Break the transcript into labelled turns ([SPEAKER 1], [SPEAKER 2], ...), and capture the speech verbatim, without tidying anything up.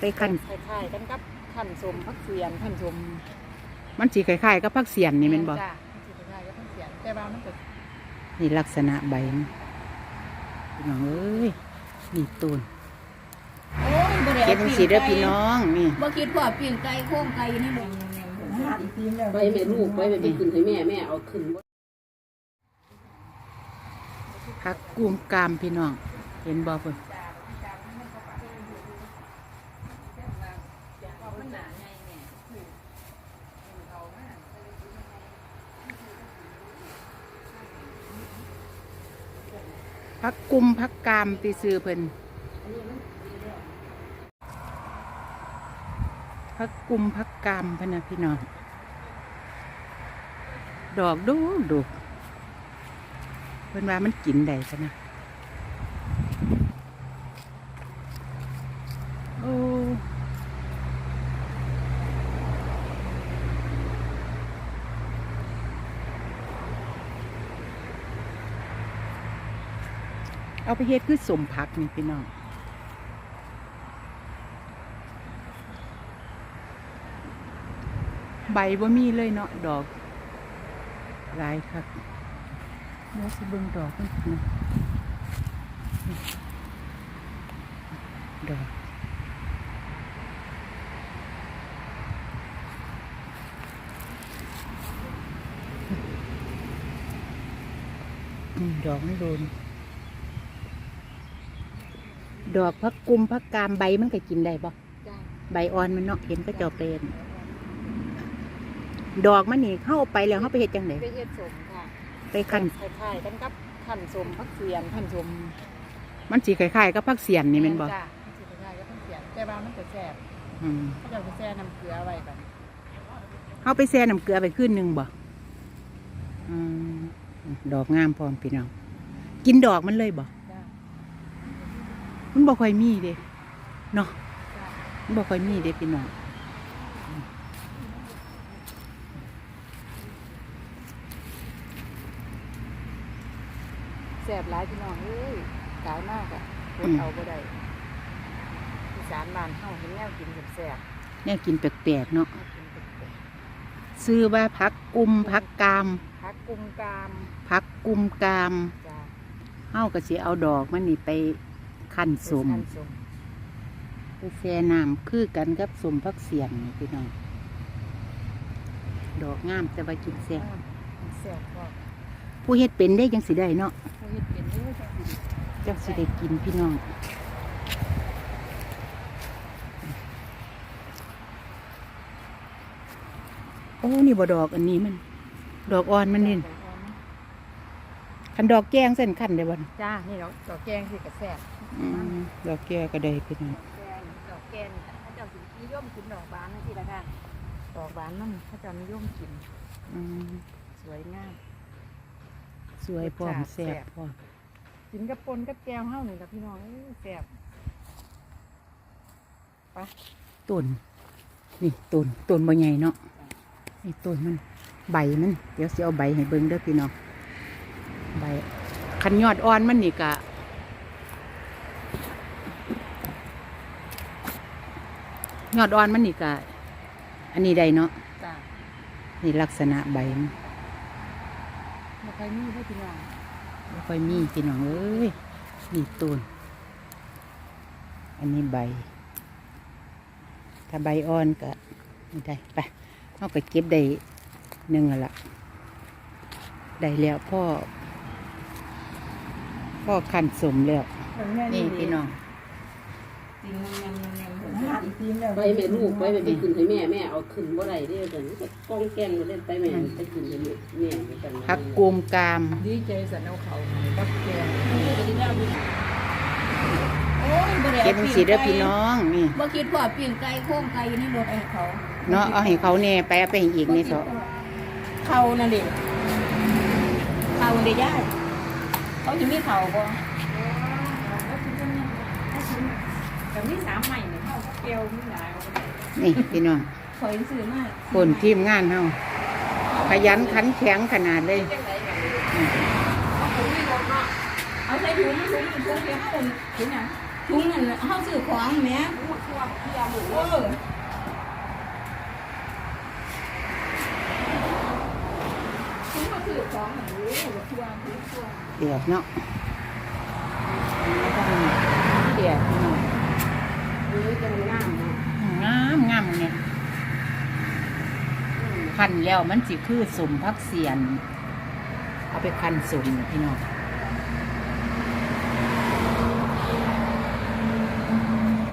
[SPEAKER 1] ไปขั้น
[SPEAKER 2] คล้ายๆกันกับขั้นสมพักเสียนขั้นสม
[SPEAKER 1] มันสีคล้ายๆกับผักเสียนนี่แม่นบ่
[SPEAKER 2] จ้ะมันสิคล้ายๆกับพักเสียนแต่ว่ามันก็
[SPEAKER 1] นี่ลักษณะใบมันพี่น้องเอ้ยนี่ต้น
[SPEAKER 3] โอ้ยบ่ได้
[SPEAKER 1] เก็บจังซี่เด้อพี่น้องนี่
[SPEAKER 3] บ่คิดว่าปิ้งไก่โค้งไก่นี่บ่
[SPEAKER 4] ไปแม่ลูกไปไปไปขึ้นให้แม่แม่เอาขึ้น
[SPEAKER 1] ผักกุมกามพี่น้องเห็นบ่เพิ่นผักกุมผักกามตีซื้อเพิ่นผักกุมผักกามพะนะพี่น้องดอกดูดูเพิ่นว่ามันกินได้พะนะโอ้เอาไปเฮ็ดคือสมผักนี่พี่น้องใบบ่มีเลยเนาะดอกหลายครับเดี๋ยวสิเบิ่งดอกมันนะดอกดอกมันโดนดอกพักกุมพักกามใบมันก็กินได้บ่ใบอ่อนมันเนาะเห็นก็จะเป็นดอกมันนี่เข้าไปแล้วเข้าไปเฮ็ดจังได๋
[SPEAKER 2] ไปเฮ็ดสมค่ะ
[SPEAKER 1] ไปคั่น
[SPEAKER 2] คล้ายๆกันกับขั้นสมพักเสียนขั้นสม
[SPEAKER 1] มันสิคล้ายๆกับผักเสียนนี่แม่นบ่
[SPEAKER 2] จ้ะมันสิคล้ายๆกับพักเสียนแต่ว่ามันจะแซ่บ
[SPEAKER 1] อืม
[SPEAKER 2] เขาจะไปแช่น้ำเกลือไว้กัน
[SPEAKER 1] เฮาไปแช่น้ำเกลือไปคืนนึงบ่อืมดอกงามพร้อมพี่น้องกินดอกมันเลยบ่มันบ่ค่อยมีเด้เนาะมันบ่ค่อยมีเด้พี่น้อง
[SPEAKER 2] แซ่บหลายพี่น้องเอ้ยหลายมากอ่ะอดเอาบ่ได้อีสานบ้านเฮาเห็นแนวกินแซ่บ
[SPEAKER 1] แนวกินแปลกๆเนาะ
[SPEAKER 2] ๆแนวกินแปลก
[SPEAKER 1] ซื้อว่าผักกุมผักกาม
[SPEAKER 2] ๆผักกุมกาม
[SPEAKER 1] ผักกุมกาม
[SPEAKER 2] จ้ะ
[SPEAKER 1] เฮาก็สิเอาดอกมันนี่ไปคั่นสม
[SPEAKER 2] ขั้นสม
[SPEAKER 1] ไปแช่น้ำคือกันกับสมผักเสียนนี่พี่น้องดอกงามแต่ว่ากินแซ่บ
[SPEAKER 2] แซ่บพอ
[SPEAKER 1] ผู้เฮ็ดเป็นได้จังสิได้เนาะ
[SPEAKER 2] ผู้เฮ็ดเป็นเด้อจังสิ
[SPEAKER 1] จังสิได้กินพี่น้องโอ้นี่บ่ดอกอันนี้มันดอกอ่อนมันนี่คันดอกแกงเส้นคันได้บ่
[SPEAKER 2] จ้านี่ดอกดอกแกงสิก็แซ่บ
[SPEAKER 1] อืมดอกแกก็ได้พี่น้อง
[SPEAKER 2] แกงดอกแกงถ้าเจ้าสินิยมกินดอกบานจังซี่ล่ะค่ะดอกบานนั่นถ้าเจ้านิยมกิน
[SPEAKER 1] อืม
[SPEAKER 2] สวยงาม
[SPEAKER 1] สวยพร้อมแซ่บพร้อม
[SPEAKER 2] กินกับปนกับแก้วเฮานี่ล่ะพี่น้องเอ้ยแซ่บไป
[SPEAKER 1] ต้นนี่ต้นต้นบ่ใหญ่เนาะนี่ต้นมันใบมันเดี๋ยวสิเอาใบให้เบิ่งเด้อพี่น้องใบคันยอดอ่อนมันนี่กะยอดอ่อนมันนี่กะอันนี้ได้เนาะ
[SPEAKER 2] จ้า
[SPEAKER 1] นี่ลักษณะใบมัน
[SPEAKER 2] บ่ค่อยมีเด้อพี่น้อง
[SPEAKER 1] ไม่ค่อยมีพี่น้องเอ้ยนี่ต้นอันนี้ใบถ้าใบอ่อนก็ไม่ได้ไปเอาไปเก็บได้หนึ่งละได้แล้วพ่อพ่อขันสมแล้วนี่พี่น้อง
[SPEAKER 4] ไปแม่ลูกไปไปไปขึ้นให้แม่แม่เอาขึ้นบ่ได้เด้อเดี๋ยวนี้กองแกงมาเล่นไปแม่ไปขึ้นให้แม่แม่กัน
[SPEAKER 1] ผักกุมกาม
[SPEAKER 2] ดีใจสันเอาเขากับแกง
[SPEAKER 3] โอ้ยบ่ได้
[SPEAKER 1] เก็บจังซี่เด้อพี่น้องนี่
[SPEAKER 3] บ่คิดว่าปิ้งไก่โค้งไก่นี่บ่ให้เขา
[SPEAKER 1] เนาะเอาให้เขาแน่ไปเอาไปให้อีกนี่เถอะ
[SPEAKER 3] เขานั่นดิเขาเด้ย่าเขาสิมีเขาบ่
[SPEAKER 2] แต่มีสามใหม่เนี่ยเฮาแก้วมีหลาย
[SPEAKER 1] นี่พี่น้อง
[SPEAKER 3] ข่อยซื้อมา
[SPEAKER 1] คนทีมงานเฮาขยันขันแข็งขนาดเลย
[SPEAKER 3] เอาใส่ถุงถุงถุงเดียวเฮาถุงหยังถุงนั่นเฮาซื้อของแหม
[SPEAKER 4] ทั่วเที่ยวหมด
[SPEAKER 3] เอ
[SPEAKER 4] เลย
[SPEAKER 3] อถุงเฮาซื้อของนั่นโอ้ทั่วทั่ว
[SPEAKER 1] เดือดเนาะเดือดพี่น้อง
[SPEAKER 4] เออจะงามเนาะ
[SPEAKER 1] งามงามเนี่ยคันแล้วมันสิคือสมพักเสียน เอาไปคันสมเนี่ยพี่น้อง